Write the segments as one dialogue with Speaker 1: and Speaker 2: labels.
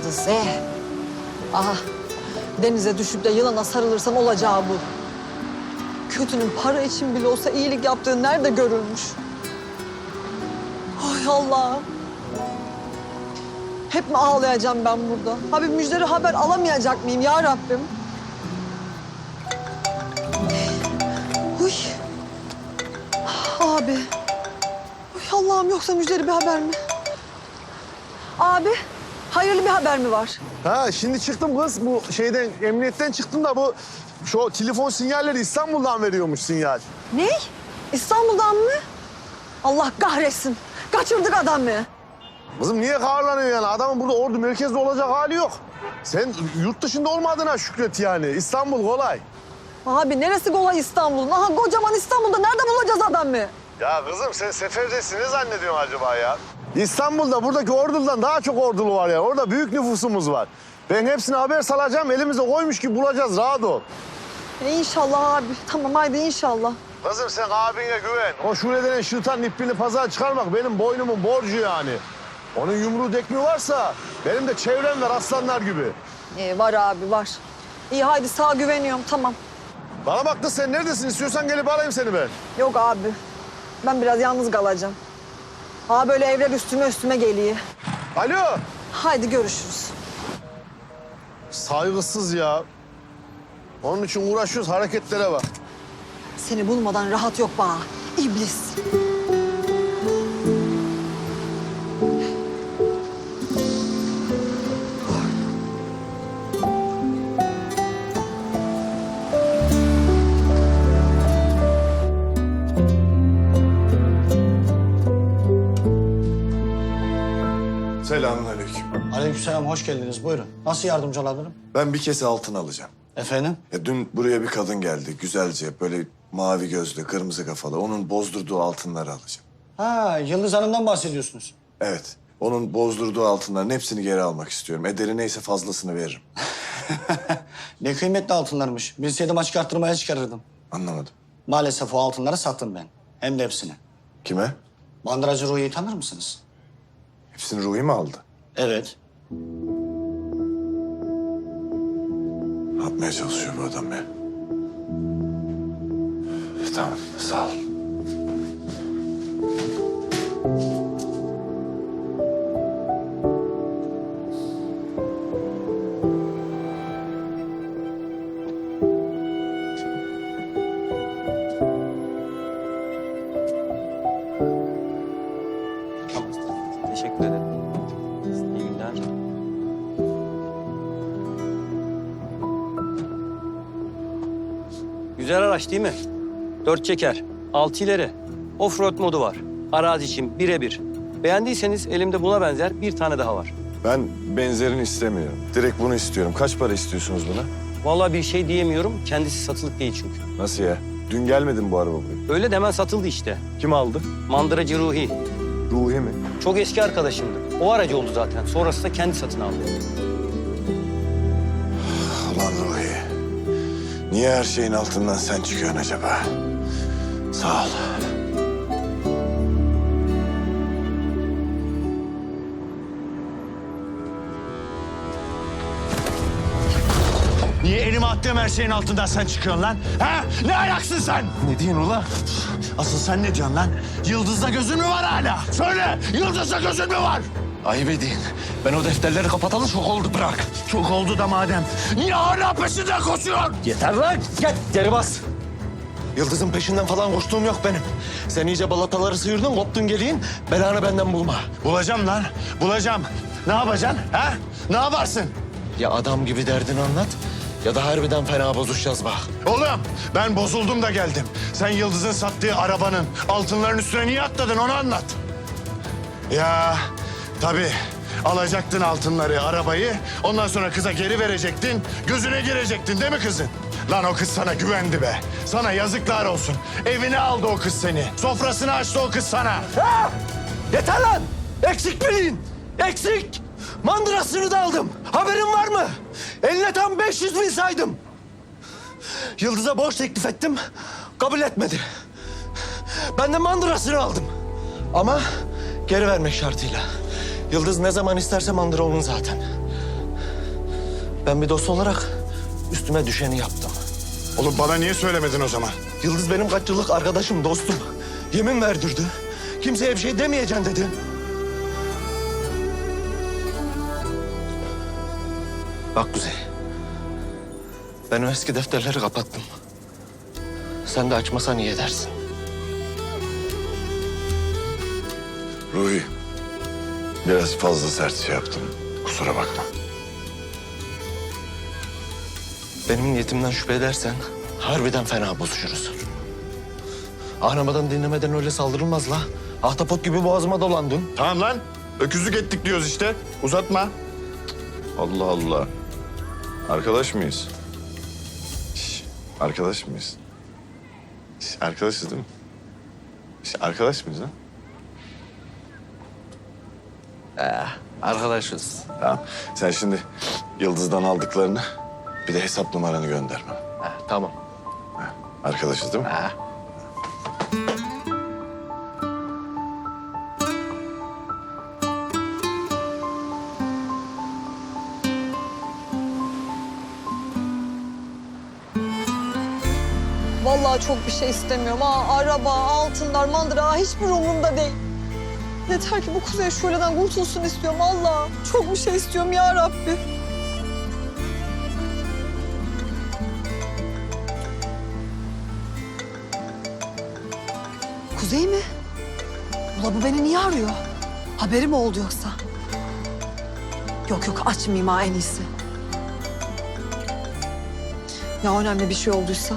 Speaker 1: Hafize. Aha, denize düşüp de yılana sarılırsam olacağı bu. Kötünün para için bile olsa iyilik yaptığı nerede görülmüş? Ay Allah'ım. Hep mi ağlayacağım ben burada? Abi müjdeli haber alamayacak mıyım ya Rabbim? Uy. Abi. Uy Allah'ım, yoksa müjdeli bir haber mi? Abi, hayırlı bir haber mi var?
Speaker 2: Ha şimdi çıktım kız, bu şeyden, emniyetten çıktım da bu şu telefon sinyalleri İstanbul'dan veriyormuş sinyal.
Speaker 1: Ne? İstanbul'dan mı? Allah kahretsin. Kaçırdık adamı.
Speaker 2: Kızım niye kahırlanıyorsun yani? Adamın burada ordu merkezde olacak hali yok. Sen yurt dışında olmadığına şükret yani. İstanbul kolay.
Speaker 1: Abi neresi kolay İstanbul'un? Aha kocaman İstanbul'da nerede bulacağız adamı?
Speaker 2: Ya kızım sen seferdesin, ne zannediyorsun acaba ya? İstanbul'da buradaki ordudan daha çok ordulu var ya. Orada büyük nüfusumuz var. Ben hepsine haber salacağım, elimize koymuş gibi bulacağız, rahat ol.
Speaker 1: İnşallah abi. Tamam haydi inşallah.
Speaker 2: Kızım sen abine güven. O Şule denen şırtan ipliğini pazara çıkarmak benim boynumun borcu yani. Onun yumruğu dekmi varsa benim de çevrem var aslanlar gibi.
Speaker 1: Var abi var. İyi haydi sağa güveniyorum tamam.
Speaker 2: Bana bak da sen neredesin? İstiyorsan gelip alayım seni ben.
Speaker 1: Yok abi. Ben biraz yalnız kalacağım. Ha böyle evler üstüme geliyor.
Speaker 2: Alo.
Speaker 1: Haydi görüşürüz.
Speaker 2: Saygısız ya. Onun için uğraşıyoruz, hareketlere bak.
Speaker 1: Seni bulmadan rahat yok bana. İblis.
Speaker 3: Selamünaleyküm.
Speaker 4: Aleykümselam, hoş geldiniz. Buyurun. Nasıl yardımcı olabilirim?
Speaker 3: Ben bir kese altın alacağım.
Speaker 4: Efendim?
Speaker 3: Dün buraya bir kadın geldi. Güzelce, böyle mavi gözlü, kırmızı kafalı. Onun bozdurduğu altınları alacağım.
Speaker 4: Ha, Yıldız Hanım'dan bahsediyorsunuz.
Speaker 3: Evet. Onun bozdurduğu altınların hepsini geri almak istiyorum. Ederi neyse fazlasını veririm.
Speaker 4: Ne kıymetli altınlarmış. Bilseydim açık arttırmaya çıkarırdım.
Speaker 3: Anlamadım.
Speaker 4: Maalesef o altınları sattım ben. Hem de hepsini.
Speaker 3: Kime?
Speaker 4: Bandıracı Ruhi'yi tanır mısınız?
Speaker 3: Hepsini Ruhi mi aldı?
Speaker 4: Evet.
Speaker 3: Ne yapmaya çalışıyor bu adam ya? Tamam, sağ ol.
Speaker 5: Teşekkür ederim. İyi günler. Güzel araç değil mi? 4 çeker, 6 ileri. Offroad modu var. Arazi için birebir. Beğendiyseniz elimde buna benzer bir tane daha var.
Speaker 3: Ben benzerini istemiyorum. Direkt bunu istiyorum. Kaç para istiyorsunuz buna?
Speaker 5: Vallahi bir şey diyemiyorum. Kendisi satılık değil çünkü.
Speaker 3: Nasıl ya? Dün gelmedi mi bu araba buraya?
Speaker 5: Öyle demen satıldı işte.
Speaker 3: Kim aldı?
Speaker 5: Mandıracı Ruhi.
Speaker 3: Ruhi mi?
Speaker 5: Çok eski arkadaşımdı. O aracı oldu zaten. Sonrası da kendi satın aldı.
Speaker 3: Ulan Ruhi. Niye her şeyin altından sen çıkıyorsun acaba? Sağ ol.
Speaker 6: Niye elime attığım her şeyin altından sen çıkıyorsun lan? Ha? Ne ayaksın sen?
Speaker 3: Ne diyorsun ula?
Speaker 6: Asıl sen ne diyorsun lan? Yıldız'da gözün mü var hala? Söyle, Yıldız'da gözün mü var?
Speaker 3: Ayıp edin. Ben o defterleri kapatalı çok oldu, bırak.
Speaker 6: Çok oldu da madem. Niye hala peşinden koşuyorsun?
Speaker 3: Yeter lan! Gel, geri bas. Yıldız'ın peşinden falan koştuğum yok benim. Sen iyice balataları sıyırdın, koptun geliyin. Belanı benden bulma.
Speaker 6: Bulacağım lan, bulacağım. Ne yapacaksın? Ha? Ne yaparsın?
Speaker 3: Ya adam gibi derdini anlat, ya da harbiden fena bozuşacağız bak.
Speaker 6: Oğlum, ben bozuldum da geldim. Sen Yıldız'ın sattığı arabanın altınların üstüne niye atladın onu anlat. Ya tabii alacaktın altınları, arabayı. Ondan sonra kıza geri verecektin. Gözüne girecektin değil mi kızın? Lan o kız sana güvendi be. Sana yazıklar olsun. Evine aldı o kız seni. Sofrasını açtı o kız sana.
Speaker 4: Ha! Yeter lan! Eksik bilin! Eksik! Mandırasını da aldım. Haberin var mı? Eline tam 500 bin saydım. Yıldız'a borç teklif ettim. Kabul etmedi. Ben de mandırasını aldım. Ama geri vermek şartıyla. Yıldız ne zaman isterse mandıra onun zaten.
Speaker 3: Ben bir dost olarak üstüme düşeni yaptım.
Speaker 6: Oğlum bana niye söylemedin o zaman?
Speaker 3: Yıldız benim kaç yıllık arkadaşım, dostum. Yemin verdirdi. Kimseye bir şey demeyeceksin dedi. Bak Kuzey. Ben o eski defterleri kapattım. Sen de açmasan iyi edersin.
Speaker 6: Ruhi, biraz fazla sert şey yaptım. Kusura bakma.
Speaker 3: Benim niyetimden şüphe edersen harbiden fena bozuşuruz. Anlamadan dinlemeden öyle saldırılmaz la. Ahtapot gibi boğazıma dolandın.
Speaker 6: Tamam lan. Öküzlük ettik diyoruz işte. Uzatma. Allah Allah. Arkadaş mıyız? Şş, arkadaş mıyız? Şş, arkadaşız değil mi? Şş, arkadaş mıyız lan?
Speaker 3: Arkadaşız.
Speaker 6: Tamam. Sen şimdi Yıldız'dan aldıklarını bir de hesap numaranı gönder bana.
Speaker 3: Tamam.
Speaker 6: Arkadaşız değil mi?
Speaker 1: Vallahi çok bir şey istemiyorum. Araba, altınlar, mandıra hiçbir umurumda değil. Yeter ki bu Kuzey şöleden kurtulsun istiyorum Allah. Çok bir şey istiyorum ya Rabbi. Kuzey mi? Ula bu beni niye arıyor? Haberi mi oldu yoksa? Yok yok açmayayım ha en iyisi. Ya önemli bir şey olduysa?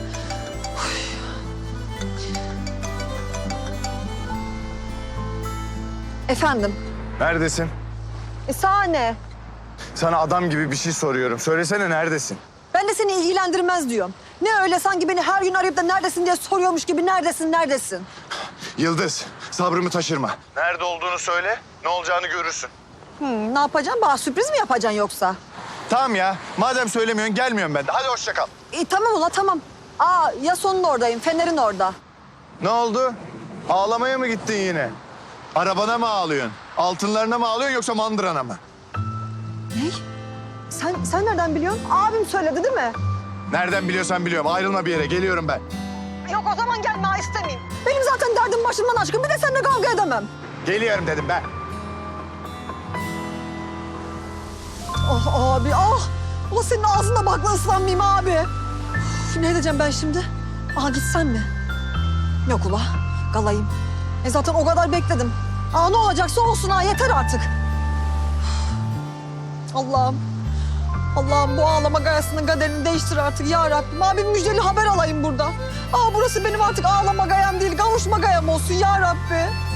Speaker 1: Efendim?
Speaker 6: Neredesin?
Speaker 1: Sahne.
Speaker 6: Sana adam gibi bir şey soruyorum. Söylesene neredesin?
Speaker 1: Ben de seni ilgilendirmez diyorum. Ne öyle sanki beni her gün arayıp da neredesin diye soruyormuş gibi neredesin?
Speaker 6: Yıldız, sabrımı taşırma. Nerede olduğunu söyle, ne olacağını görürsün.
Speaker 1: Ne yapacaksın? Bana sürpriz mi yapacaksın yoksa?
Speaker 6: Tamam ya, madem söylemiyorsun gelmiyorum ben de. Hadi hoşça kal.
Speaker 1: Tamam ula tamam. Ya sonun oradayım, Fener'in orada.
Speaker 6: Ne oldu? Ağlamaya mı gittin yine? Arabana mı ağlıyorsun? Altınlarına mı ağlıyorsun yoksa mandırana mı?
Speaker 1: Ne? Sen nereden biliyorsun? Abim söyledi değil mi?
Speaker 6: Nereden biliyorsan biliyorum. Ayrılma bir yere. Geliyorum ben.
Speaker 1: Yok o zaman gelme istemeyeyim. Benim zaten derdim başımdan aşkın. Bir de seninle kavga edemem.
Speaker 6: Geliyorum dedim ben.
Speaker 1: Ah abi ah. Ula senin ağzında bakla ıslanmayayım abi. Üf, ne edeceğim ben şimdi? Gitsen mi? Yok ula kalayım. Zaten o kadar bekledim. Ne olacaksa olsun yeter artık. Allah'ım. Allah'ım bu ağlama gayasının kaderini değiştir artık ya Rabbim. Abi müjdeli haber alayım burada. Burası benim artık ağlama gayam değil, kavuşma gayam olsun ya Rabbi.